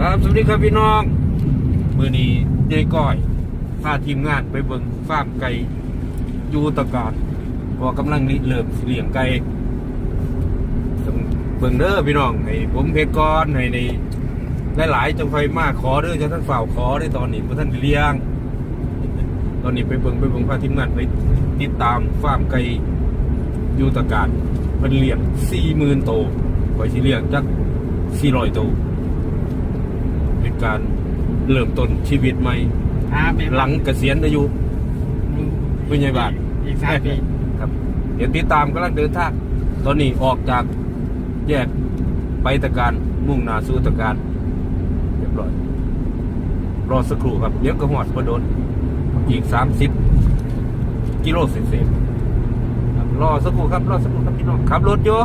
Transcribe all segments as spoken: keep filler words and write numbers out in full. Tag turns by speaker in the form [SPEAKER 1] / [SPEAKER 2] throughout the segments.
[SPEAKER 1] ครับสวัสดีครับพี่น้องมื้อนี้ยายก้อยพาทีมงานไปเบิ่งฟาร์มไก่ยูตะการพอกำลังริเริ่มสิเลี้ยงไก่ต้องเบิ่งเด้อพี่น้องให้ผมเพชรก้อนให้ในหลายๆจังไฟมาขอเด้อจะท่านฝ่าวขอได้ตอนนี้บ่ท่านได้เลี้ยงตอนนี้ไปเบิ่งไปเบิ่งพาทีมงานไปติดตามฟาร์มไก่ยูตะการเพิ่นเลี้ยง สี่หมื่น ตัวไว้สิเลี้ยงจักสี่ร้อยตัวเป็นการเริ่มต้นชีวิตใหม่หลังเกษียณอายุเป็นไงบ้าง
[SPEAKER 2] อีกสามปี
[SPEAKER 1] ครับเดี๋ยวติดตามกำลังเดินทางตอนนี้ออกจากแยกไปตะการมุ่งหน้าสู่ตะการเรียบร้อยรอสักครู่ครับเดี๋ยวก็หอดพอโดนอีกสามสิบกิโลเศษๆรอสักครู่ครับรอสักครู่ครับพี่น้องขับรถอยู่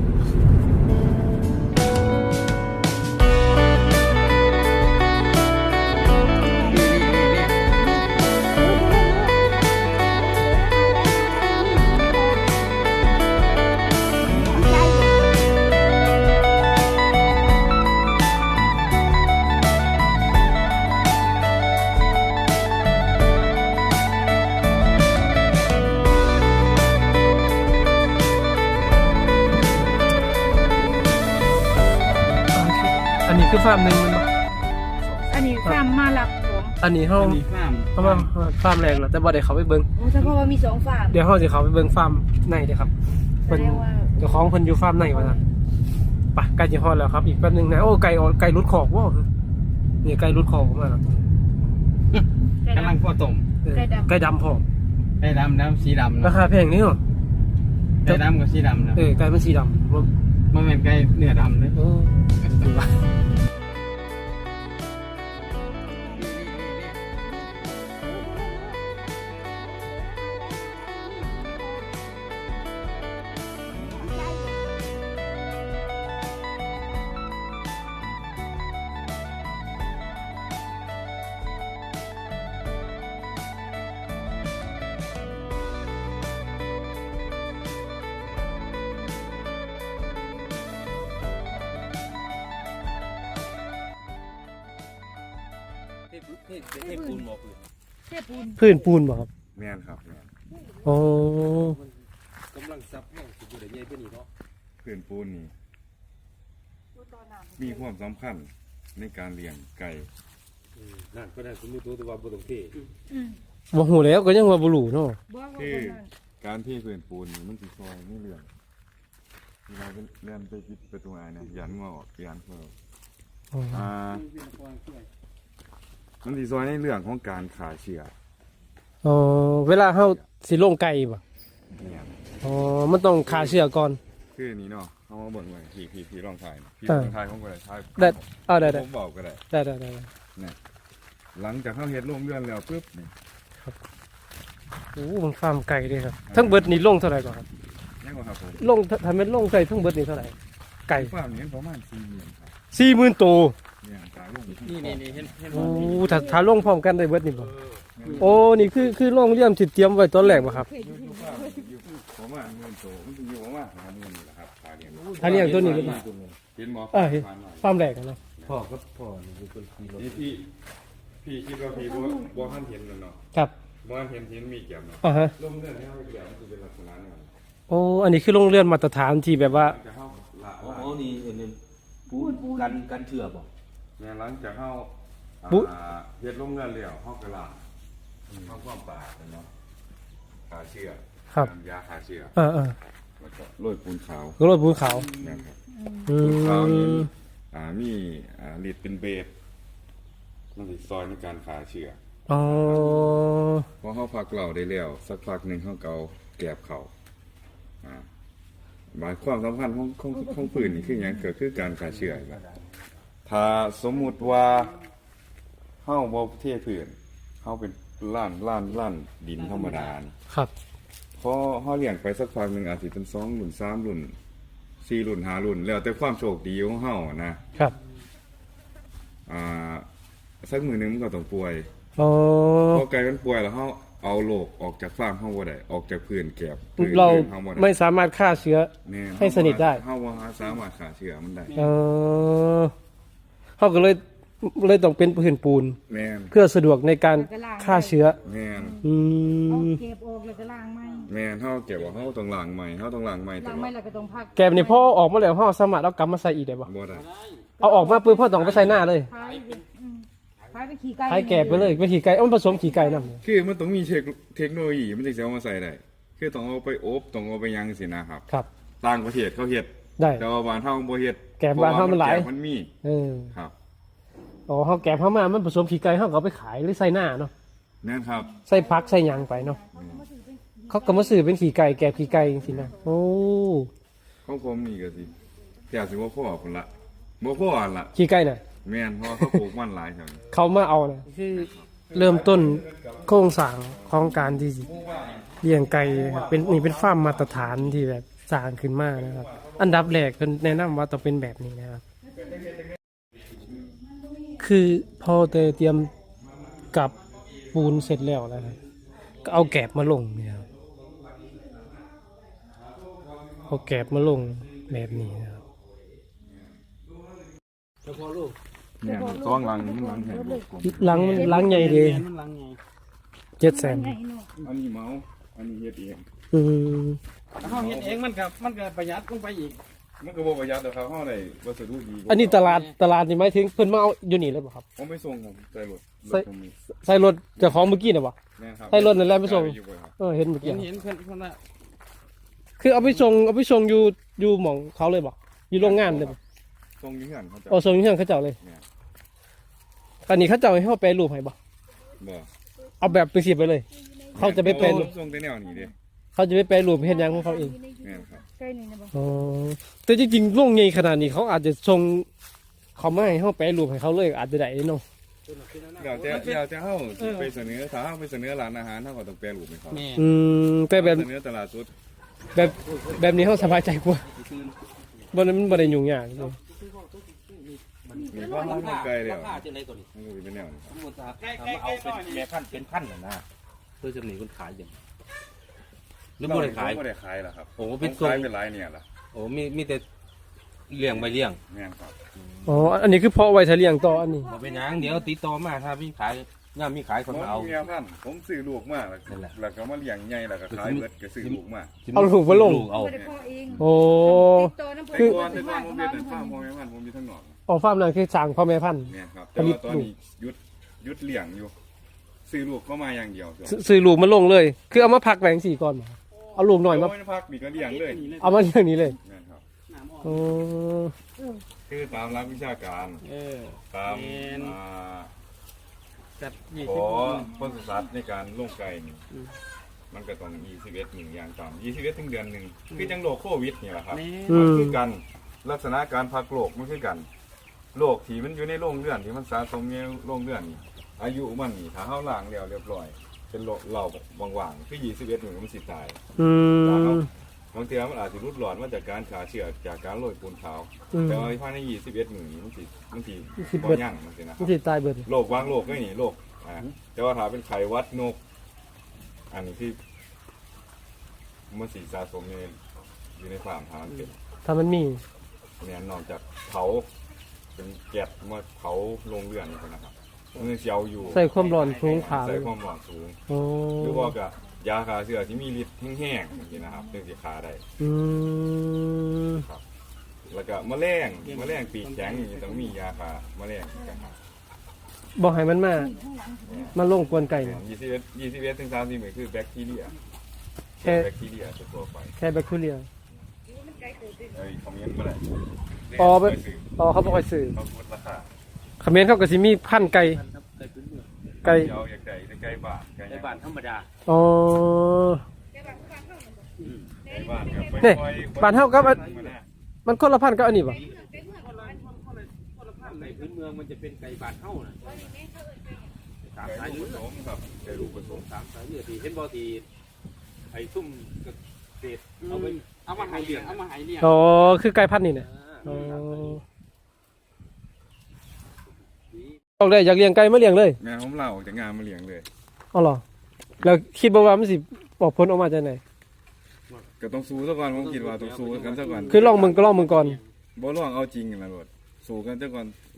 [SPEAKER 3] คือฟาร์มหนึ่งมันบ่
[SPEAKER 4] อันนี้ฟาร์มมาหลักของ
[SPEAKER 3] อันนี้เฮาเฮามาฟาร์มแรกแล้วแต่บ่ได้เข้าไปเบิ่ง
[SPEAKER 4] โอ้เฉพาะว่ามีสองฟาร์ม
[SPEAKER 3] เดี๋ยวเฮาสิเข้าไปเบิ่งฟาร์มในเด้อครับเพิ่นเจ้าของเพิ่นอยู่ฟาร์มในว่าซั่นไปใกล้สิฮอดแล้วครับอีกแป๊บนึงนะโอ้ไก่ไก่รุดขอกว้าวนี่ไก่รุดขอกมาแล้ว
[SPEAKER 2] กำลังพ่อต้ม
[SPEAKER 3] ไก่ดำไก่ดำพร้อม
[SPEAKER 2] ไก่ดำน้ำสีดำ
[SPEAKER 3] ราคาแพงนี่เนาะ
[SPEAKER 2] ไก่ดำกับสีดำนะ
[SPEAKER 3] เออไก่มันสีดำ
[SPEAKER 2] มันเป็นไก่เนื้อดำเลย
[SPEAKER 1] เทปูนบ่พื้น
[SPEAKER 4] เทปูน
[SPEAKER 3] พื้นปูนบ่ครับ
[SPEAKER 1] แม่นครับแม่น
[SPEAKER 3] โอ้
[SPEAKER 1] กำลังซับแม่งสิบ่ได้ใหญ่ปานนี้เนาะ
[SPEAKER 5] พื้นปูนนี่มีความสำคัญในการเลี้ยงไก่
[SPEAKER 1] นั่นก็ได้คุณรู้ตัวว่าบ่ต้องเท
[SPEAKER 3] บ่ฮู้แล้วก็ยังว่าบ่รู้เนาะ
[SPEAKER 5] คือการที่พื้นปูนนี่มันสิซอยในเรื่องเวลาเลื่อนไปปิดประตูอ้ายนะยันงอออกยันเพิ่นอ่ามันสิซอยในเรื่องของการขาเชื้อ
[SPEAKER 3] อ๋อเวลาเฮาสิลงไก่บ่
[SPEAKER 5] เนี่ย
[SPEAKER 3] อ๋อมันต้องฆ่าเชื้อก่อน
[SPEAKER 5] คือนี้เนาะเฮามาเบิ่งไว้พี่พี่พี่ลองถ่ายพี่ลองถ่ายของก็ได้ถ่าย
[SPEAKER 3] ได้เอาได้
[SPEAKER 5] ๆผมบอกก็ได้
[SPEAKER 3] ได้ๆ
[SPEAKER 5] ๆนี่หลังจากเฮาเฮ็ดโรงเรือนแล้วปึ๊บนี่
[SPEAKER 3] ครับโอ้มันฟาร์มไก่เด้ครับทั้งเบิดนี่ลงเท่าไหร่ก่อนครับ
[SPEAKER 5] ยังบ่ครับผม
[SPEAKER 3] ลงถ้าแม่นลงไก่ทั้งเบิดนี่เท่าไหร่ไก่
[SPEAKER 5] ฟาร์มนี้ประมาณ สี่หมื่น ครับ
[SPEAKER 3] สี่หมื่น ตัว
[SPEAKER 5] เนี่ยตาลง
[SPEAKER 2] นี่ๆๆเห็นเห็น
[SPEAKER 3] บ่โอ้ถ้าถ้าลงพร้อมกันได้เบิดนี่บ่โอ้นี่คือคือโรงเรียนที่เตรียมไว้ตอนแรกบ่ครับ
[SPEAKER 5] ประมาณ หนึ่งหมื่น ตัวมันสิอยู่ประมาณ ห้าหมื่น นี่แหละครับถ้าเลี้ยง
[SPEAKER 3] ถ้าเลี้ยงตัวนี้
[SPEAKER 5] เห็นบ่
[SPEAKER 3] เออฟาร์มแรกเนาะ
[SPEAKER 1] พ่อครับพ่อนี่คือคนขี่รถ
[SPEAKER 5] นี่พี่พี่คิดว่าพี่บ่บ่ทันเห็นแล้วเนาะ
[SPEAKER 3] ครับ
[SPEAKER 5] บ่ทันเห็นเห็นมีแก้มเนาะ
[SPEAKER 3] อ่าฮะ
[SPEAKER 5] โรงเรือนที่เฮาเลี้ยงมันสิเป็นลักษณะนั้น
[SPEAKER 3] โอ้อันนี้คือโรงเรือนมาตรฐานที่แบบว่า
[SPEAKER 1] อ๋อนี่อันนึงปูนกันกันเถื่อบ่
[SPEAKER 5] แม่หลังจากเฮาอ่าเฮ็ดโรงเรือนแล้วเฮาก็ล้างทำความสะอาดเนาะฆ่าเชื้อ
[SPEAKER 3] ครับ
[SPEAKER 5] ยาฆ่าเชื้อ
[SPEAKER 3] เออ
[SPEAKER 5] ๆแล้วก็โรยปูนขาว
[SPEAKER 3] โรยปูนขาว
[SPEAKER 5] แม่นครับปูนขาวนี่อ่ามีอ่าฤทธิ์เป็นเบสมันสิซอยในการฆ่าเชื้อ
[SPEAKER 3] อ๋อ
[SPEAKER 5] พอเฮาพักเหล้าได้แล้วสักพักนึงเฮาก็เอาแกบเข้าอ่าหมายความสำคัญของของของปืนนี่คือหยังก็คือการฆ่าเชื้อครับถ้าสมมุติว่าเฮาบ่เทพื้นเฮาเป็นล้านล้านล้านดินธรรมดานี่
[SPEAKER 3] ครับ
[SPEAKER 5] พอเฮาเลี้ยงไปสักพักนึงอาจสิเป็นสองรุ่นสามรุ่นสี่รุ่นห้ารุ่นแล้วแต่ความโชคดีของเฮานะครับอ่าสักมื้อนึงมันก็ต้องป่วย
[SPEAKER 3] อ๋อ
[SPEAKER 5] พอไก่มันป่วยแล้วเฮาเอาโรคออกจากฟาร์มเฮาบ่ได้ออกจากพื้นแกบ
[SPEAKER 3] เราไม่สามารถฆ่าเชื้อให้สนิทได้
[SPEAKER 5] เฮาบ่สามารถฆ่าเชื้อมันได้
[SPEAKER 3] เออเฮาก็เลยเลยต้องเป็นพื้นปูน
[SPEAKER 5] แม่น
[SPEAKER 3] เพื่อสะดวกในการฆ่าเชื้อ
[SPEAKER 5] แม่น
[SPEAKER 3] อื
[SPEAKER 4] เอา
[SPEAKER 3] ม
[SPEAKER 4] เก็บออกแล้วก็ล้างไหม
[SPEAKER 5] แม่นเฮาเก็บว่าเฮาต้องล้างใหม่เฮาต้องล้างใหม่ต
[SPEAKER 4] ล้าง
[SPEAKER 5] ลอ
[SPEAKER 4] ไหม
[SPEAKER 5] ด
[SPEAKER 4] แล้วก็ต้องพัก
[SPEAKER 3] แกบนี่พ่อออกมาแล้วพ่อสามารถเอากลับมาใส่อีกได้บ่
[SPEAKER 5] บ่ได้
[SPEAKER 3] เอาออกมาปุ๊บพ่อต้องไปใส่หน้าเลย
[SPEAKER 4] พายไปอืมพายไปขี่ไก่
[SPEAKER 3] ให้แกบไปเลยไปขี่ไก่เอามันผสมขี่ไก่นำ
[SPEAKER 5] คือมันต้องมีเทคเทคโนโลยีมันถึงจะเอามาใส่ได้คือต้องเอาไปอบต้องเอาไปยังสินะครับ
[SPEAKER 3] ครับ
[SPEAKER 5] ต่างประเทศเขาเฮ็ด
[SPEAKER 3] ได้
[SPEAKER 5] แต่ว่าบ้านเฮาบ่เฮ็ด
[SPEAKER 3] แกะบ้านเฮามันหลาย
[SPEAKER 5] พระว่แกะมันมี
[SPEAKER 3] เออ
[SPEAKER 5] ครับ
[SPEAKER 3] อ๋อเฮาแกบเฮามามันผสมขี่ไก่เฮาก็เอาไปขายหรือใส่หน้าเนาะ
[SPEAKER 5] แม่นครับ
[SPEAKER 3] ใส่ผักใส่หยังไปเนาะเขาก็มาซื้อเป็นขี่ไก่แกบขี่ไก่จังซี่นะโอ้
[SPEAKER 5] ของผมนี่ก็สิแค่สิบ่พอพุ่นละบ่พออันละ
[SPEAKER 3] ขี่ไก่น่ะ
[SPEAKER 5] แม่นเพราะว่าเขาปลูกมันหลายครับ
[SPEAKER 3] เขามาเอานะคือเริ่มต้นโครงสร้างของการที่เลี้ยงไก่นะครับเป็นนี่เป็นฟาร์มมาตรฐานที่แบบสร้างขึ้นมานะครับ อันดับแรกเพิ่นแนะนำว่าต้องเป็นแบบนี้นะครับ คือพอเตรียมกับปูนเสร็จแล้วนะครับก็เอาแกบมาลงเนี่ยครับเอาแกบมาลงแบบนี้นะครับ
[SPEAKER 5] แม่นซองหลังมันหลังแห้ง
[SPEAKER 3] หลังหลังใหญ่ดี
[SPEAKER 2] มันลังไง
[SPEAKER 3] เจ็ดแสน
[SPEAKER 4] ไงเนาะ
[SPEAKER 5] อันนี้เมาอันนี้เฮ็ดเอง
[SPEAKER 3] อืม
[SPEAKER 2] เฮาเฮ็ดเองมันก็มันก็ประหยัดลงไปอีก
[SPEAKER 5] มันก็บ่ประหยัดดอกครับเฮาได้วัสดุดีกว่า
[SPEAKER 3] อันนี้ตลาดตลาดนี่หมายถึงเพิ่นมาเอาอยู่นี่เลยบ่ครับ
[SPEAKER 5] ผมไปส่งผมใส่รถร
[SPEAKER 3] ใส่
[SPEAKER 5] ถผมมี
[SPEAKER 3] ใส่รถเจ้าของเมื่อกี้น่ะบ่
[SPEAKER 5] แม่นครับ
[SPEAKER 3] ใส่รถนั่นแหละไปส่ง
[SPEAKER 5] อยู่บ่ครับ
[SPEAKER 3] เออเห็นเมื่อกี้
[SPEAKER 2] เห็นเห็นเพิ่นเพิ่นว่า
[SPEAKER 3] คือเอาไปส่งเอาไปส่งอยู่อยู่หม่องเขาเลยบ่อยู่โรงงานเลยบ่
[SPEAKER 5] ส่งอยู่เฮือนเขาจะ
[SPEAKER 3] เอาส่งอยู่เฮือนเขาเจ้าเลย
[SPEAKER 5] แม่น
[SPEAKER 3] อันนี้เขาเจ้าให้เฮาแปรรูปให้บ่
[SPEAKER 5] บ่
[SPEAKER 3] เอาแบบเป็นสิบไปเลย เขาจะไปแปรรูป
[SPEAKER 5] ส่งแต่แนวนี้เด้
[SPEAKER 3] เขาจะไปแปรรูปเฮ็ดหยังของเขาเอง
[SPEAKER 5] แม่นครับ
[SPEAKER 4] ไก่นี่นะบ่
[SPEAKER 3] อ๋อแต่จริงๆโรงใหญ่ขนาดนี้เขาอาจจะส่งเขามาให้เฮาแปรรูปให้เขาเลยอาจจะได้เนาะ
[SPEAKER 5] เดี๋ยวจะเดี๋ยวจะเฮาสิไปเสนอถ้าเฮาไปเสนอร้านอาหารเฮาก็ต้องแปรรูปให้เขา
[SPEAKER 2] แม่
[SPEAKER 3] อืมแต่แบบ
[SPEAKER 5] เสนอตลาดสด
[SPEAKER 3] แบบแบบนี้เฮาสบายใจกว่าบ่นั้นมันบ่ได้ยุ่งยากเลย
[SPEAKER 5] มีความรู้ไกลแล้ว
[SPEAKER 6] ราคาจังไดตัวนี้
[SPEAKER 5] มันก็สิเป็นแนวนี้ครับ
[SPEAKER 6] สมมุติว่าถ้ามาเอาเป็นแม่พันธุ์เป็นพันธุ์น่ะนะเพื่อจะหนีคนขายอย่างหรือบ่ได้ขาย
[SPEAKER 5] บ่ได้ขายล่ะครับ
[SPEAKER 6] โอ้
[SPEAKER 5] เป็
[SPEAKER 6] เป็น น
[SPEAKER 5] ทรง
[SPEAKER 6] ทรง
[SPEAKER 5] เป็นหลายเนี่ยล่ะ
[SPEAKER 6] โอ้มีมีแต่เลี้ยงใบเลี้ยง
[SPEAKER 5] แม่นครับ
[SPEAKER 3] อ๋ออันนี้คือเพาะไว้ถ้าเลี้ยงต่ออันนี้
[SPEAKER 6] บ่เป็นหยังเดี๋ยวติดต่อมาถ้ามีขายย่ามมีขายคน
[SPEAKER 5] ผม
[SPEAKER 6] มาเอา
[SPEAKER 5] มีแม่พันธุ์ผมซื้อลูกมาแล้ว
[SPEAKER 6] นั่นแหละ
[SPEAKER 5] แล้วก็มาเลี้ยงใหญ่แล้วก็ขายเบิดก็ซื้อลูกมา
[SPEAKER 3] เอาลูกมาลง
[SPEAKER 6] เอา
[SPEAKER 4] บ่ได้พ่อเอง
[SPEAKER 3] โอ้
[SPEAKER 4] ติดต่อน้ำ
[SPEAKER 5] แต่
[SPEAKER 4] เพิ่น
[SPEAKER 5] ก่อนแต่ก่อนผมเฮ็ดแต่ฟาร์มพ่อแม่พันธุ์ผมมีทั้งนอก
[SPEAKER 3] ออกฟาร์มนั่นคือสร้างพ่อแม่พันธุ์
[SPEAKER 5] แม่นครับแต่ว่าตอนนี้หยุดหยุดเลี้ยงอยู่ซื้อลูกเข้ามาอย่างเดียว
[SPEAKER 3] ซซื้อลูกมาลงเลย คือเอามาพักแหวจังสี่ก่อนบ่เอาลูกหน่อยมา
[SPEAKER 5] โพักนี่ก็เลี้ยงเลย
[SPEAKER 3] เอามาเรื่องนี้เลย
[SPEAKER 5] แม่นครับ
[SPEAKER 3] โอ้
[SPEAKER 5] คือตามหลักวิชาการ
[SPEAKER 2] เออ
[SPEAKER 5] ตาม
[SPEAKER 2] แม่น
[SPEAKER 5] อ่า
[SPEAKER 2] จัดยี่
[SPEAKER 5] ข
[SPEAKER 2] สิบ
[SPEAKER 5] อปศุสัตว์ในการลงไก่นี่มันก็ต้องยี่สิบเอ็ดหนึ่งอย่างต่ำยี่สิบเอ็ดถึงเดือนหนึ่งคือจังโรคโควิดนี่แหละครับ
[SPEAKER 2] แม่
[SPEAKER 3] อื
[SPEAKER 5] มัน
[SPEAKER 3] ม
[SPEAKER 5] คือกันลักษณะการพักโรคมันคือกันโรคที่มันอยู่ในโรงเลือดที่มันสะสมในโรงเลือดนี่อายุมันนี่ถ้าเฮาล้างแล้วเรียบร้อย เป็นโรคเหล่าว่างๆคือยี่สิบเอ็ดหนึ่งมันสิตาย
[SPEAKER 3] อื
[SPEAKER 5] ถ้าเฮาม บางทีมันอาจจะรุดหลอนมาจากการขาเชื้อจากการโรยปูนขาว
[SPEAKER 3] อืม
[SPEAKER 5] แต่ว่าภายในยี่สิบเอ็ดหนึ่งนี่มันสิมันสิ
[SPEAKER 3] สิบ
[SPEAKER 5] บ่
[SPEAKER 3] เบิด
[SPEAKER 5] ยั่งมันสินะค
[SPEAKER 3] มั
[SPEAKER 5] รั
[SPEAKER 3] น
[SPEAKER 5] บ
[SPEAKER 3] สิตายเบิด
[SPEAKER 5] โรคบางโรคก็นี่โรคอ่าแต่ว่าถ้าเป็นไข้หวัดนก อันนี้ที่มันสีสะสมอยู่ในอยู่ในฟาร์มทางเป็น
[SPEAKER 3] ถ้ามันมี
[SPEAKER 5] เนี่ยนอกจากเผาเป็นแก๊สมาเผาโรงเรือนนี่นะครับมันเสียวอยู่
[SPEAKER 3] ใส่ความร้อนสูงขา
[SPEAKER 5] ใส่
[SPEAKER 3] เลย
[SPEAKER 5] ความร้อนสูง
[SPEAKER 3] โอ้
[SPEAKER 5] หรือว่ากับยาฆ่าเชื้อที่มีฤทธิ์แห้งๆอย่างนี้นะครับซึ่งสิฆ่าได้
[SPEAKER 3] อืม
[SPEAKER 5] แล้วก็แมลงแมลงปีกแข็งนี่ต้องมียาฆ่าแมลงนะครับ
[SPEAKER 3] บอกให้มันมามาลงกวนไก่เนี่ย
[SPEAKER 5] ยี่สิบเอ็ดยี่สิบเอ็ดถึงสามสิบหมื่นคือแบคทีเรีย
[SPEAKER 3] แค่
[SPEAKER 5] แบคทีเรียตัวๆไป
[SPEAKER 3] แค่แบคทีเรีย
[SPEAKER 5] เอ้ยคอมเมนต์มาเลย
[SPEAKER 3] อ๋อแบบอ๋อเขาบอกให้ซื้อ
[SPEAKER 5] เขาพูดราคา
[SPEAKER 3] คอมเขมนต์เขาก็สิมีพันธุ์ไก่
[SPEAKER 6] ไก่พื้นเมือง
[SPEAKER 3] ไก่
[SPEAKER 5] เดี๋ยวอยากได้ไก่บ้านไก่
[SPEAKER 6] ในบ้านธรรมดา
[SPEAKER 3] อ๋อ
[SPEAKER 5] ไก่บ้านกับไป
[SPEAKER 3] นี่
[SPEAKER 5] ปล่อย
[SPEAKER 3] บ้านเฮากับอัน
[SPEAKER 5] มาแน่
[SPEAKER 3] มันคนละพันธุ์กับอันนี้ป่ะ
[SPEAKER 6] ไก่พื้นเมืองมันจะเป็นไก่บ้านเฮาน่ะสาม
[SPEAKER 5] ไก่
[SPEAKER 6] สาย
[SPEAKER 5] ลู
[SPEAKER 6] เลื
[SPEAKER 5] ก
[SPEAKER 6] อ
[SPEAKER 5] ผ
[SPEAKER 6] ด
[SPEAKER 5] สมครับไก่ลูกผสม
[SPEAKER 6] สามสายเลือดที่เห็นบ่ที่ไอ้ซุ่มเกษตรเอาไป
[SPEAKER 2] เอามาใหายเลี้ยงเอามาใหายเลี้ยง
[SPEAKER 3] อ๋อคือไก่พันธุ์นี่เนี่ยอ๋อออกได้อยากเลี้ยงไก่มาเลี้ยงเลย
[SPEAKER 5] แม่ผมเล่าออกจากงานมาเลี้ยงเลย
[SPEAKER 3] อ๋อเหรอแล้วคิดบ่ว่ามันสิออกผลออกมาจากไหน
[SPEAKER 5] ก็ต้องสู้ซะก่อนผมคิดว่าต้องสู้กันซะก่อน
[SPEAKER 3] คือลองมึงก็ลองมึงก่อน
[SPEAKER 5] บ่ลองเอาจริงกันนะรถสู้กันซะก่อน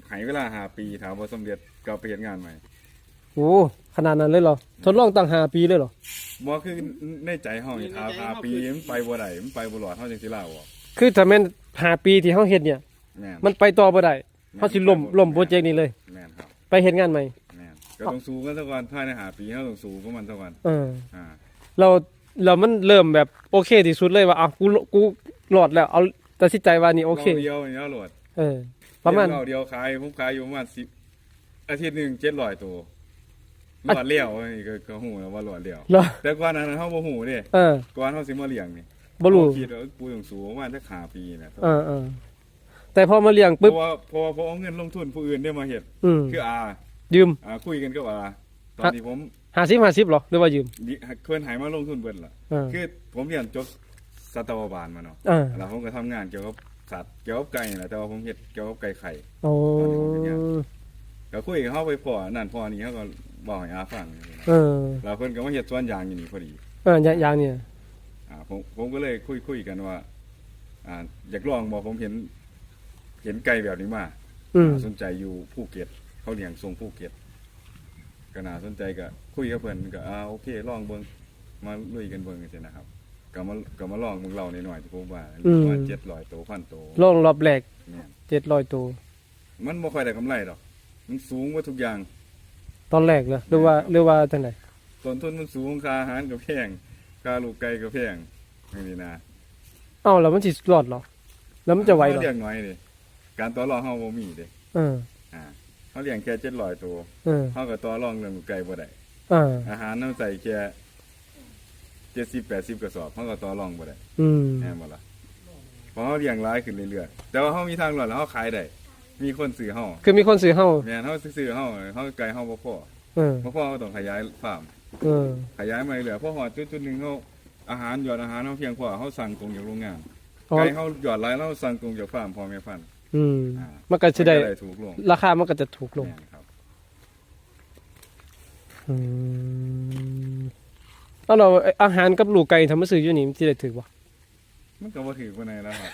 [SPEAKER 5] ให้เวลาห้าปีถามบ่สำเร็จก็ไปเฮ็ดงานใหม่
[SPEAKER 3] โอ้ขนาดนั้นเลยเหรอทดลองตั้งห้าปีเลยเหรอ
[SPEAKER 5] บ่คือในใจเฮานี่ถามห้าปีมันไปบ่ได้มันไปบ่รอดเฮาจังสิลาออก
[SPEAKER 3] คือถ้าแม่นห้าปีที่เฮาเฮ็ดเนี่ย
[SPEAKER 5] แม่น
[SPEAKER 3] มันไปต่อบ่ได้เฮาสิล่มล่มโปรเจกต์นี้เลย
[SPEAKER 5] แม่นครับ
[SPEAKER 3] ไปเฮ็ดงานใหม่
[SPEAKER 5] แม่นก็ต้องสู้กันซะก่อนภายในห้าปีเฮาต้องสู้กับมันซะก่อน
[SPEAKER 3] เออ
[SPEAKER 5] อ่า
[SPEAKER 3] เราเรามันเริ่มแบบโอเคที่สุดเลยว่าอ่ะกูกูหลอดแล้วเอาตัดสินใจว่านี่โอเค
[SPEAKER 5] รอบเดียวนี่เอาโหลด
[SPEAKER 3] เออ ประมาณ
[SPEAKER 5] เดียวเดียวขายผมขายอยู่ประมาณสิบอาทิตย์หนึงเจ็ดร้อยตัวหลอดเลี้ยวนี่ก็ก็ฮู้แล้วว่าหลอดเลี้ยว
[SPEAKER 3] เหรอ
[SPEAKER 5] แต่ก่อนนั้นเฮาบ่ฮู้เด้
[SPEAKER 3] เออ
[SPEAKER 5] ก่อนเฮาสิมาเลี้ยงนี่
[SPEAKER 3] บ่รู้
[SPEAKER 5] เฮาคิดว่าปูต้องสู้ประมาณสักห้าปีน่ะ
[SPEAKER 3] เออเออแต่พอมาเลี้ยง
[SPEAKER 5] เพ
[SPEAKER 3] ปุ๊บ
[SPEAKER 5] ราะว่าเพราะว่าพอเอาเงินลงทุนผู้อื่นได้มาเฮ็ด
[SPEAKER 3] อืม
[SPEAKER 5] คืออา
[SPEAKER 3] ยืม
[SPEAKER 5] อ่าคุยกันกับอาตอนที่ผม
[SPEAKER 3] ห้าสิบห้าสิบหรอหรือว่ายืม
[SPEAKER 5] ดิเพิ่นให้มาลงทุนเบิดล่ะ
[SPEAKER 3] เออ
[SPEAKER 5] คือผมเรียนจบสัตวบาลมาเนาะ
[SPEAKER 3] เออ
[SPEAKER 5] แล้วผมก็ทำงานเกี่ยวกับสัตว์เกี่ยวกับไก่นี่แหละแต่ว่าผมเฮ็ดเกี่ยวกับไก่ไข่
[SPEAKER 3] โอ้
[SPEAKER 5] ก็คุยกับเขาไปพ่อนั่นพ่อนี่เขาก็บอกให้อาฟัง
[SPEAKER 3] เออ
[SPEAKER 5] แล้วเพิ่นก็มาเฮ็ดสวนยางอยู่นี่พอดี
[SPEAKER 3] เอออย่างอย่างเนี่ย
[SPEAKER 5] อ่าผมผมก็เลยคุยคุยกันว่าอ่าอยากลองบอกผมเห็น เห็นไก่แบบนี้มา
[SPEAKER 3] อืม
[SPEAKER 5] น่าสนใจอยู่ภูเก็ตเขาเลี้ยงทรงภูเก็ตก็น่าสนใจก็คุยกับเพิ่นก็อ่าโอเคลองเบิ่งมาลุยกันเบิ่งจังซี่นะครับก็มาก็มาลองเบิ่งเราหน่อยๆที่ผมว่าประมาณเจ็ดร้อยตัวพันตัว
[SPEAKER 3] ลองรอบแรก
[SPEAKER 5] แม่น
[SPEAKER 3] เจ็ดร้อยตัว
[SPEAKER 5] มันบ่ค่อยได้กำไรดอกมันสูงกว่าทุกอย่าง
[SPEAKER 3] ตอนแรกเลยหรือว่าหรือว่าจังได
[SPEAKER 5] ต้นทุนมันสูงค่าอาหารก็แพงค่าลูกไก่ก็แพงอย่างนี้นะ
[SPEAKER 3] เอ้าแล้วมันสิรอดเหรอ แล้วมันจะไหวเหรอ
[SPEAKER 5] เลี้ยงน้อยดิการต่อรองเฮาบ่มีเด้
[SPEAKER 3] เออ
[SPEAKER 5] อ่าเฮาเลี้ยงแค่เจ็ดร้อยตัว
[SPEAKER 3] เออ
[SPEAKER 5] เฮาก็ต่อรองเรื่องลูกไก่บ่ได้
[SPEAKER 3] เออ
[SPEAKER 5] อาหารเฮาใส่แค่เจ็ดสิบ แปดสิบกระสอบเฮาก็ต่อรองบ่ได้
[SPEAKER 3] อืม
[SPEAKER 5] แม่นบ่ล่ะเพราะเฮาเลี้ยงหลายขึ้นเรื่อยๆแต่ว่าเฮามีทางรอดแล้วเฮาขายได้มีคนซื้อเฮา
[SPEAKER 3] คือมีคนซื้อเฮา
[SPEAKER 5] แม่นเฮาซื้อเฮาเฮาไก่เฮาบ่พอ
[SPEAKER 3] เออ
[SPEAKER 5] บ่พอเฮาต้องขยายฟาร์ม
[SPEAKER 3] เออ
[SPEAKER 5] ขยายมาเรื่อยๆพอฮอดจุดๆหนึงเฮาอาหารยอดอาหารเฮาเพียงพอเฮาสั่งตรงจากโรงงาน
[SPEAKER 3] อ๋อ
[SPEAKER 5] ไก่เฮาหยอดหลายแล้วเราสั่งตรงจากฟาร์มพ่อแม่พันธุ์
[SPEAKER 3] อืม
[SPEAKER 5] อ่า
[SPEAKER 3] มันก็สิได้
[SPEAKER 5] มันก็ถูกลง
[SPEAKER 3] ราคามันก็จะถูกลง
[SPEAKER 5] แม่นครับ
[SPEAKER 3] อืมเอาเราอาหารกับลูกไก่ทำมาซื้ออยู่นี่มันสิได้ถูกบ่
[SPEAKER 5] มันก็บ่ถือปานใดแล้วครับ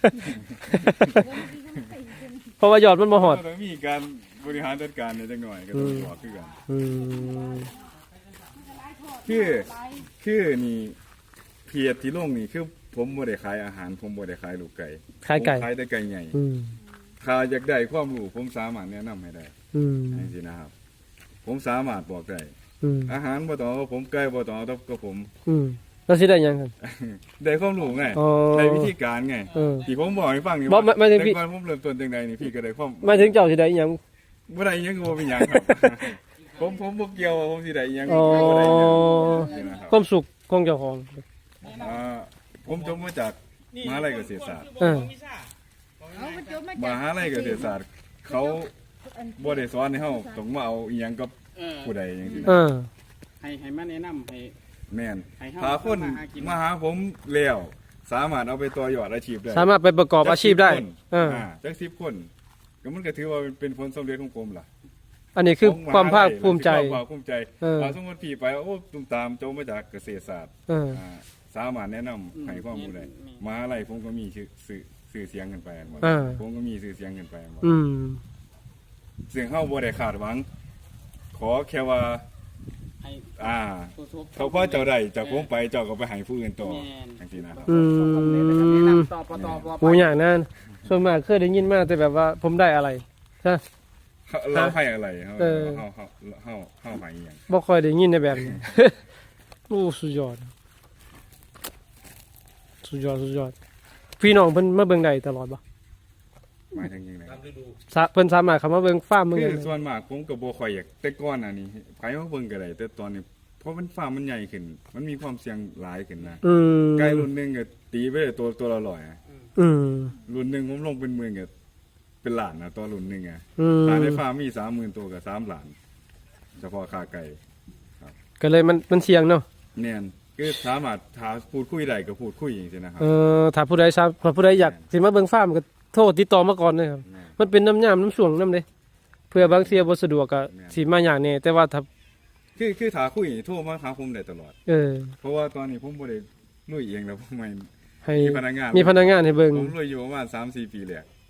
[SPEAKER 3] เพราะว่ายอดมันบ่ฮอด
[SPEAKER 5] ต้องมีการบริหารจัดการในจังหน่อยก็ต้องบอกคือกัน
[SPEAKER 3] อืม
[SPEAKER 5] คือคือนี่เพียรที่ลงนี่คือผมบ่ได้ขายอาหาร ผมบ่ได้ขายลูกไก่
[SPEAKER 3] ขายไก่
[SPEAKER 5] ผมขายแต่ไก่ใหญ่
[SPEAKER 3] อืม
[SPEAKER 5] ถ้าอยากได้ความรู้ผมสามารถแนะนำให้ได้
[SPEAKER 3] อืม
[SPEAKER 5] จังซี่นะครับ ผมสามารถบอกได้
[SPEAKER 3] อืม
[SPEAKER 5] อาหารบ่ต้องเอากับผมไก่บ่ต้องเอากับผม
[SPEAKER 3] อืมแล้วสิได้หยังครับ
[SPEAKER 5] ได้ความรู้ไง
[SPEAKER 3] อ๋อ
[SPEAKER 5] ได้วิธีการไง
[SPEAKER 3] เออ
[SPEAKER 5] ที่ผมบอกให้ฟังนี่
[SPEAKER 3] บ่ไม่ไม่ถึงพี่
[SPEAKER 5] แต่ก่อนผมเริ่มต้นจังไดนี่พี่ก็ได้ความ
[SPEAKER 3] หมายถึงเจ้าสิได้อิหยัง
[SPEAKER 5] บ่ได้อิหยังก็บ่เป็นหยังครับ ผมผมบ่เกี่ยวว่าผมสิได้อิหยัง
[SPEAKER 3] อ๋อ
[SPEAKER 5] บ่ได้อิหยังนี่นะครับ
[SPEAKER 3] ความสุขของเจ้าของ
[SPEAKER 5] อ่าผมจบมาจากมหาลัยเกษตรศาสตร์
[SPEAKER 3] เออ
[SPEAKER 4] เอาไปจบมาม จาก
[SPEAKER 5] หาลัยเกษตรศาสตร์ เขาบ่ได้สอนให้เฮาต้องมาเอาอิหยังกับ
[SPEAKER 2] เออ
[SPEAKER 5] ผู้ใดจังซี่
[SPEAKER 3] เอ
[SPEAKER 5] นะ
[SPEAKER 3] อ
[SPEAKER 2] ให้ให้มาแนะนำให้
[SPEAKER 5] แม่น
[SPEAKER 2] ให้เฮา
[SPEAKER 5] ถ้าคน
[SPEAKER 2] มาหากิน
[SPEAKER 5] มาหาผมแล้วสามารถเอาไปต่อยอดอาชีพได้
[SPEAKER 3] สามารถไปประกอบอาชีพได้
[SPEAKER 5] จักสิบคน
[SPEAKER 3] เออ
[SPEAKER 5] อ่าจักสิบคนก็มันก็ถือว่าเป็นผลสำเร็จของผมล่ะ
[SPEAKER 3] อันนี้คือ
[SPEAKER 5] ของ
[SPEAKER 3] ความภาคภูมิใจ
[SPEAKER 5] ความภาคภูมิใจ
[SPEAKER 3] เออ
[SPEAKER 5] ว่าสมมุติพี่ไปโอ้ตุ้มตามโจมาจากเกษตรศาสตร์
[SPEAKER 3] เออ
[SPEAKER 5] อ่าสามารถแนะนำให้ความรู้ได้มหาลัยผมก็มีชื่อสื่อสื่อเสียงกันไปหมด
[SPEAKER 3] เออ
[SPEAKER 5] ผมก็มีสื่อเสียงกันไปหมด
[SPEAKER 3] อืม
[SPEAKER 5] เสียงเฮาบ่ได้คาดหวัง ขอแค่ว่า
[SPEAKER 2] ให้
[SPEAKER 5] อ่า
[SPEAKER 2] ผู้ชม
[SPEAKER 5] เขาพอเจ้าได้จากผมไปเจ้าก็ไปให้ผู้อื่นต่อ
[SPEAKER 2] แม่น
[SPEAKER 5] จังซี่นะครับ
[SPEAKER 3] อืม
[SPEAKER 2] แนะนำต่อปต่อป
[SPEAKER 3] กูอย่างนั้นส่วนมากเคยได้ยินมาแต่แบบว่าผมได้อะไรใช่
[SPEAKER 5] เราให้อะไรเฮา
[SPEAKER 3] เออ
[SPEAKER 5] เฮาเฮาเฮาเฮาให้อีหยัง
[SPEAKER 3] บ่ค่อยได้ยินในแบบนี้ โอ้สุดยอด สุดยอดสุดยอด พี่น้องเพิ่นมาเบิ่งได้ตลอดบ่
[SPEAKER 5] หมายถึงยังไง
[SPEAKER 3] สะเพิ่นสามารถเข้ามาเบิ่งฟาร์มเบิ่ง
[SPEAKER 5] คื
[SPEAKER 3] ได้
[SPEAKER 5] อส่วนมากผมก็บ่ค่อยอยากแต่ก่อนอันนี้ไผมาเบิ่งก็ได้แต่ตอนนี้เพราะมันฟาร์มมันใหญ่ขึ้น มันมีความเสี่ยงหลายขึ้นนะ
[SPEAKER 3] อืม
[SPEAKER 5] ไก่รุ่นหนึงก็ตีไปได้ตัวตัวละร้อยอะ
[SPEAKER 3] อืม
[SPEAKER 5] รุ่นหนึงผมลงเป็นหมื่นก็เป็นล้านนะตัวรุ่นหนึงอ่ะ
[SPEAKER 3] อืม
[SPEAKER 5] ถ้าในฟาร์มมีสามหมื่นตัวก็สามล้าน เฉพาะค่าไก่
[SPEAKER 3] ก็เลยมันมันเสี่ยงเนาะ
[SPEAKER 5] แม่นคือสามารถถ้าพูดคุยได้ก็พูดคุยจังซี่นะครับ
[SPEAKER 3] เออถ้าผู้ใดทราบถ้าผู้ใดอยากสิมาเบิ่งฟาร์มก็โทรติดต่อมาก่อนเลยครับ
[SPEAKER 5] แม่น
[SPEAKER 3] มันเป็นน้ำยามน้ำช่วงน้ำเด้เพื่อบางเทียบ่สะดวกก็
[SPEAKER 5] แม่น
[SPEAKER 3] สิมาอย่างแน่แต่ว่าถ้า
[SPEAKER 5] คือคือถ้าคุยโทรมาหาผมได้ตลอด
[SPEAKER 3] เออ
[SPEAKER 5] เพราะว่าตอนนี้ผมบ่ได้ลุยเองแล้วผมไม่
[SPEAKER 3] ให้
[SPEAKER 5] มีพนักงาน
[SPEAKER 3] มีพนักงานให้เบิ่ง
[SPEAKER 5] ผมลุยอยู่ประมาณสามสี่ปีแล้ว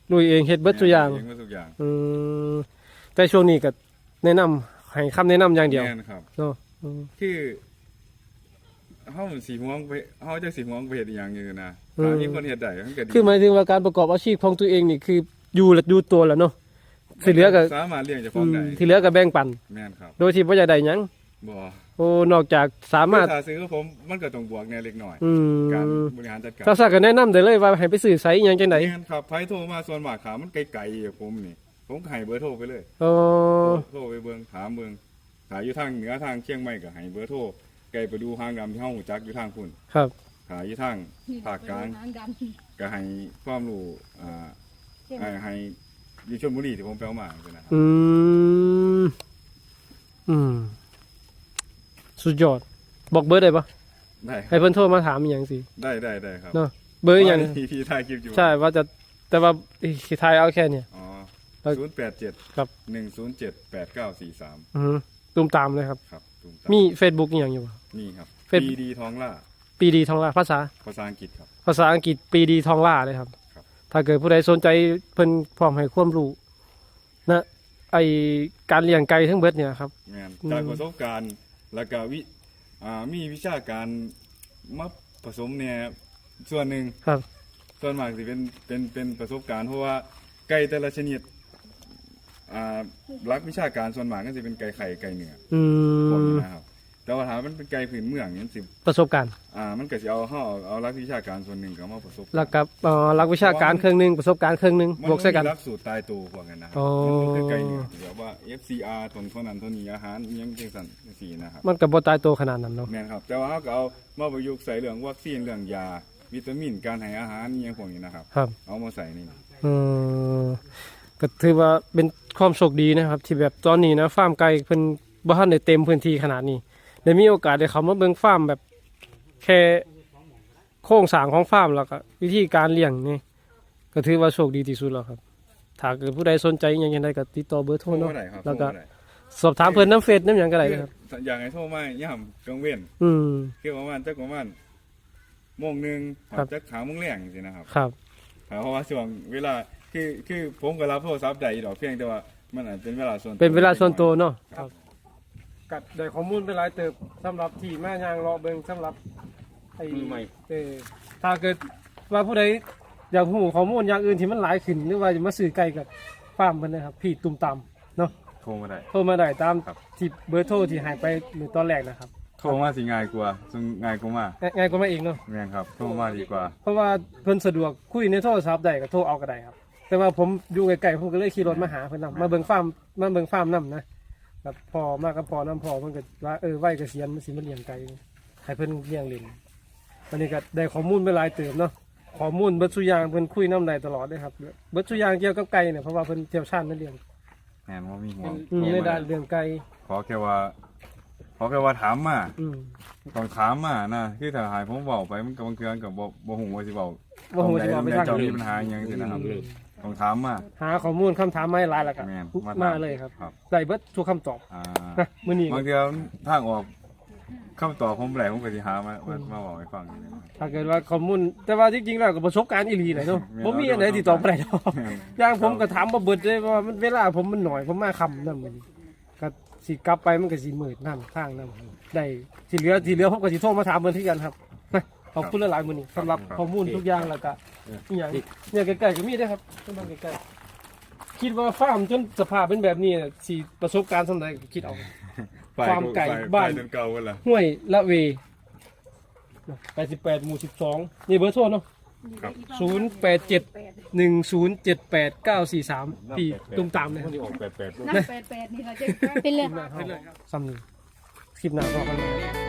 [SPEAKER 3] ลุยเองเฮ็ดเบิดทุกอย่าง
[SPEAKER 5] เองเบิดทุกอย่าง
[SPEAKER 3] อืมแต่ช่วงนี้ก็แนะนำให้คำแนะนำอย่างเดียว
[SPEAKER 5] แม่นครับ
[SPEAKER 3] เนาะอืม
[SPEAKER 5] คือเฮาสีม่วงไปเฮาจะสีม่วงไปเฮ็ดอีหยังอยู่นะ
[SPEAKER 3] อืม
[SPEAKER 5] ถ้ามีคนเฮ็ดได้มันก็ดี
[SPEAKER 3] คือหมายถึงว่าการประกอบอาชีพของตัวเองนี่คืออยู่และอยู่ตัวแล้วเนาะที่เหลือก็
[SPEAKER 5] สามารถเลี้ยงเจ้าข
[SPEAKER 3] อื
[SPEAKER 5] อง
[SPEAKER 3] ม
[SPEAKER 5] ได้
[SPEAKER 3] ที่เหลือก็แบ่งปัน
[SPEAKER 5] แม่นครับ
[SPEAKER 3] โดยที่บ่อยากได้หยัง
[SPEAKER 5] บ่
[SPEAKER 3] โอ้นอกจากสามารถ
[SPEAKER 5] ถ้าซื้อผมมันก็ต้องบวกแหน่เล็กน้อย
[SPEAKER 3] อื
[SPEAKER 5] การ
[SPEAKER 3] ม
[SPEAKER 5] บริหารจัดการ
[SPEAKER 3] ถ้าสักก็แนะนำได้เลยว่าให้ไปซื้อไสอิหยังจังได๋
[SPEAKER 5] แม่นครับไผโทรมาส่วนมากขามันไกลๆอะผมนี่ผมก็ให้เบอร์โทรไปเลย
[SPEAKER 3] อ๋อ
[SPEAKER 5] โทรไปเบิ่งถามเบิ่งถ้าอยู่ทางเหนือทางเชียงใหม่ก็ให้เบอร์โทรไกลไปดูหางดำที่เฮารู้จักอยู่ทางพุ่น
[SPEAKER 3] ครับ
[SPEAKER 5] ถ้าอยู่ทางภาคกลาง
[SPEAKER 4] หางดำ
[SPEAKER 5] ก็ให้ความรู้อ่า
[SPEAKER 4] เช่น
[SPEAKER 5] ให้ให้อยู่ชลบุรีที่ผมไปเอามาคือนะครับ
[SPEAKER 3] อืมอืมสุดยอดบอกเบอร์ได้ปะ
[SPEAKER 5] ได้ค
[SPEAKER 3] ให้
[SPEAKER 5] รับ
[SPEAKER 3] เพิ่นโทรมาถามอหย่างสิ
[SPEAKER 5] ได้ได้ได้ครับ
[SPEAKER 3] เนาะเบอร์อหย่าง
[SPEAKER 5] ที่ที่ถ่ายคลิปอยู่
[SPEAKER 3] ใช่ว่าจะแต่ว่าสิทายเอาแค่เนี่ย
[SPEAKER 5] อ๋อ
[SPEAKER 3] แล้ว
[SPEAKER 5] ศูนย์แปดเจ็ด
[SPEAKER 3] ครับ
[SPEAKER 5] หนึ่งศูนย์เจ็ดแปดเก้าสี่สาม
[SPEAKER 3] อือหือตุมตามเลยครับ
[SPEAKER 5] ครับตุ้ตา
[SPEAKER 3] มี Facebook อหย่างอยู่บ่
[SPEAKER 5] มีครับ
[SPEAKER 3] เป็น
[SPEAKER 5] ปีดีทองล่า
[SPEAKER 3] ปีดีทองล่าภาษา
[SPEAKER 5] ภาษาอังกฤษครับ
[SPEAKER 3] ภาษาอังกฤษปีดีทองล่าเลยครับ
[SPEAKER 5] ครับ
[SPEAKER 3] ถ้าเกิดผู้ใดสนใจเพิ่นพร้อมให้ความรู้นะไอการเลี้ยงไก่ทั้งเบิดเนี่ยครับ
[SPEAKER 5] แม่น
[SPEAKER 3] อืม
[SPEAKER 5] จากประสบการณ์แล้วก็วิอ่ามีวิชาการมาผสมเนี่ยส่วนหนึ่ง
[SPEAKER 3] ครับ
[SPEAKER 5] ส่วนมากสิเป็นเป็นเป็นประสบการณ์เพราะว่าไก่แต่ละชนิดอ่ารักวิชาการส่วนมากก็จะเป็นไก่ไข่ไก่เนื้อ
[SPEAKER 3] อื
[SPEAKER 5] พวก
[SPEAKER 3] ม
[SPEAKER 5] นี้นะครับแต่ว่าถ้ามันเป็นไก่พื้นเมืองนี่สิ
[SPEAKER 3] ประสบการณ์
[SPEAKER 5] อ่ามันก็สิเอาเฮาเอาเอารักวิชาการส่วนหนึ่งก็มาผสม
[SPEAKER 3] แล้วกับเอ่อหลักวิชาการเครื่องหนึงประสบการณ์เครื่องหนึง
[SPEAKER 5] มัน
[SPEAKER 3] บวกใส่กัน
[SPEAKER 5] มีหลักสูตรตายตัวพวกนั้นนะครั
[SPEAKER 3] อ๋อ
[SPEAKER 5] มันบ่คือไก่เนื้อที่แบบว่า เอฟ ซี อาร์ ตนเท่านั้นเท่านี้อาหารอิหยังจังซั่นจังซี่นะครับ
[SPEAKER 3] มันก็บ่ตายตัวขนาดนั้นเนาะ
[SPEAKER 5] แม่นครับแต่ว่าเขาก็เอามาประยุกต์ใส่เรื่องวัคซีนเรื่องยาวิตามินการให้อาหารอหยังพวกนี้นะครับ
[SPEAKER 3] ครับ
[SPEAKER 5] เอามาใส่นี่
[SPEAKER 3] เออก็ถือว่าเป็นความโชคดีนะครับ ที่แบบตอนนี้นะฟาร์มไก่เพิ่นบ่ทันได้เต็มพื้นที่ขนาดนี้ได้มีโอกาสได้เข้ามาเบิ่งฟาร์มแบบแค่โครงสร้างของฟาร์มแล้วก็วิธีการเลี้ยงนี่ก็ถือว่าโชคดีที่สุดแล้วครับถ้าเกิดผู้ใดสนใจอหยังจังไดก็ติดต่อเบอร์โทร
[SPEAKER 5] โทร
[SPEAKER 3] เนาะ
[SPEAKER 5] มาได้ครับ
[SPEAKER 3] แล้วก็
[SPEAKER 5] โทรมาได้
[SPEAKER 3] สอบถามเพิ่นน้ำเฟซน้ำหยังก็ได้นะครับ
[SPEAKER 5] คืออย่างให้โทรมาย่ำกลางเว้น
[SPEAKER 3] อืม
[SPEAKER 5] คือประมาณจักประมาณโมงหนึง
[SPEAKER 3] ครับ
[SPEAKER 5] จักหาโมงแรงสินะครับ
[SPEAKER 3] ครับ
[SPEAKER 5] เพราะว่าช่วงเวลาคือคือผมก็รับโทรศัพท์ได้ดอกเพียงแต่ว่ามันอาจเป็นเวลาส่วนตัว
[SPEAKER 3] เป็นเวลาส่วนตัวเนาะ
[SPEAKER 5] ครับ
[SPEAKER 3] กัดได้ข้อมูลไปหลายเติบสำหรับที่แม่ยางรอเบิงสำหรับไอ้
[SPEAKER 1] มือใหม่
[SPEAKER 3] เออถ้าเกิดว่าผู้ใดอยากรู้ข้อมูลอย่างอื่นที่มันหลายขึ้นหรือว่าจะมาซื้อไก่กับฟาร์มเพิ่นนะครับพี่ตุ่มตำเนาะ
[SPEAKER 5] โทรมาได้
[SPEAKER 3] โทรมาได้ตาม
[SPEAKER 5] ครับ
[SPEAKER 3] ที่เบอร์โทรที่ใหายไปในตอนแรกนะครับ
[SPEAKER 5] โทรมาสิง่ายกว่าซึ่งง่ายกว่ามา
[SPEAKER 3] ง่ายง่ายกว่ามาเองเนาะ
[SPEAKER 5] แม่นครับโทรมาดีกว่า
[SPEAKER 3] เพราะว่าเพิ่นสะดวกคุยในโทรศัพท์ได้ก็โทรเอาก็ได้ครับ แต่ว่าผมอยู่ไกลๆผมก็เลยขี่รถมาหาเพิ่นนํมาเบิ่งฟาร์มมาเบิ่งฟาร์มนํนะแบบพอมากับพอน้ำพอเพิ่นก็ว่าเออไว้เกษียณมันสิมาเลี้ยงไก่ให้เพิ่นเลี้ยงเล่นวันนี้ก็ได้ข้อมูลไปหลายเติมเนาะข้อมูลเบิดซุอย่างเพิ่นคุยน้ำได้ตลอดเลยครับเบิดซุอย่างเกี่ยวกับไก่เนี่ยเพราะว่าเพิ่นเชี่ยวชาญในเรื่อง
[SPEAKER 5] แม่นว่ามีห่วง
[SPEAKER 3] อืมในด้านเรื่องไก่
[SPEAKER 5] ขอแค่ว่าขอแค่ว่าถามมา
[SPEAKER 3] อืม
[SPEAKER 5] ต้องถามมานะคือถ้าหายผมเว้าไปมันก็บางเทื่อก็บ่บ่ฮู้ว่าสิเว้า
[SPEAKER 3] ว่าฮู้สิเว้าไปทาง
[SPEAKER 5] เจ้า
[SPEAKER 3] ไหน
[SPEAKER 5] มีปัญหาอิหยังสินะครับต้องถามมา
[SPEAKER 3] หาข้อมูลคำถามมาให้หลายแล้วก็
[SPEAKER 5] แม่น
[SPEAKER 3] มาเลยครับ
[SPEAKER 5] ครับ
[SPEAKER 3] ได้เบิดทุกคำตอบ
[SPEAKER 5] อ่า
[SPEAKER 3] นะมื้อนี้
[SPEAKER 5] บางเทื่อทางออกคำตอบผมแหลผมก็สิหามามามาบอกให้ฟังนี่นะครับ
[SPEAKER 3] ถ้าเกิดว่าข้อมูลแต่ว่าจริงๆแล้วก็ประสบการณ์อีหลีแหละเนาะ
[SPEAKER 5] แม่น
[SPEAKER 3] บ่มีอันไหนที่ตอบบ่ได้ดอก
[SPEAKER 5] แม่น
[SPEAKER 3] อย่างผมก็ถามบ่เบิดเลยว่ามันเวลาผมมันหน่อยผมมาค่ำนำมื้อนี้ก็สิกลับไปมันก็สิมืดนำทางนำได้ที่เหลือที่เหลือผมก็สิโทรมาถามเพิ่นคือกันครับนะขอบคุณหลายๆมื้อนี้สำหรับข้อมูลทุกอย่างแล้วก็อีหยังเนี่ยใกล้ๆก็มีเด้อครับเพิ่นมาใกล้ๆคิดว่าฟาร์มจนสภาพเป็นแบบนี้น่ะสิประสบการณ์ส่ำใดก็คิดเอา ฟาร์มไก่บ้าน
[SPEAKER 5] ไปจนเก่าเวลา
[SPEAKER 3] ห้วยละเวแปดสิบแปดหมู่สิบสองนี่เบอร์โทรเนาะ
[SPEAKER 5] ครับ
[SPEAKER 3] ศูนย์แปดเจ็ดหนึ่งศูนย์เจ็ดแปดเก้าสี่สามปีตุ้มตามเลยครับ
[SPEAKER 1] ที่ออกแปดแปด
[SPEAKER 4] น้ำแปดแปดนี่เราจะเป็นเลย
[SPEAKER 3] ซ้ำนี่คลิปหน้าพอกันใหม่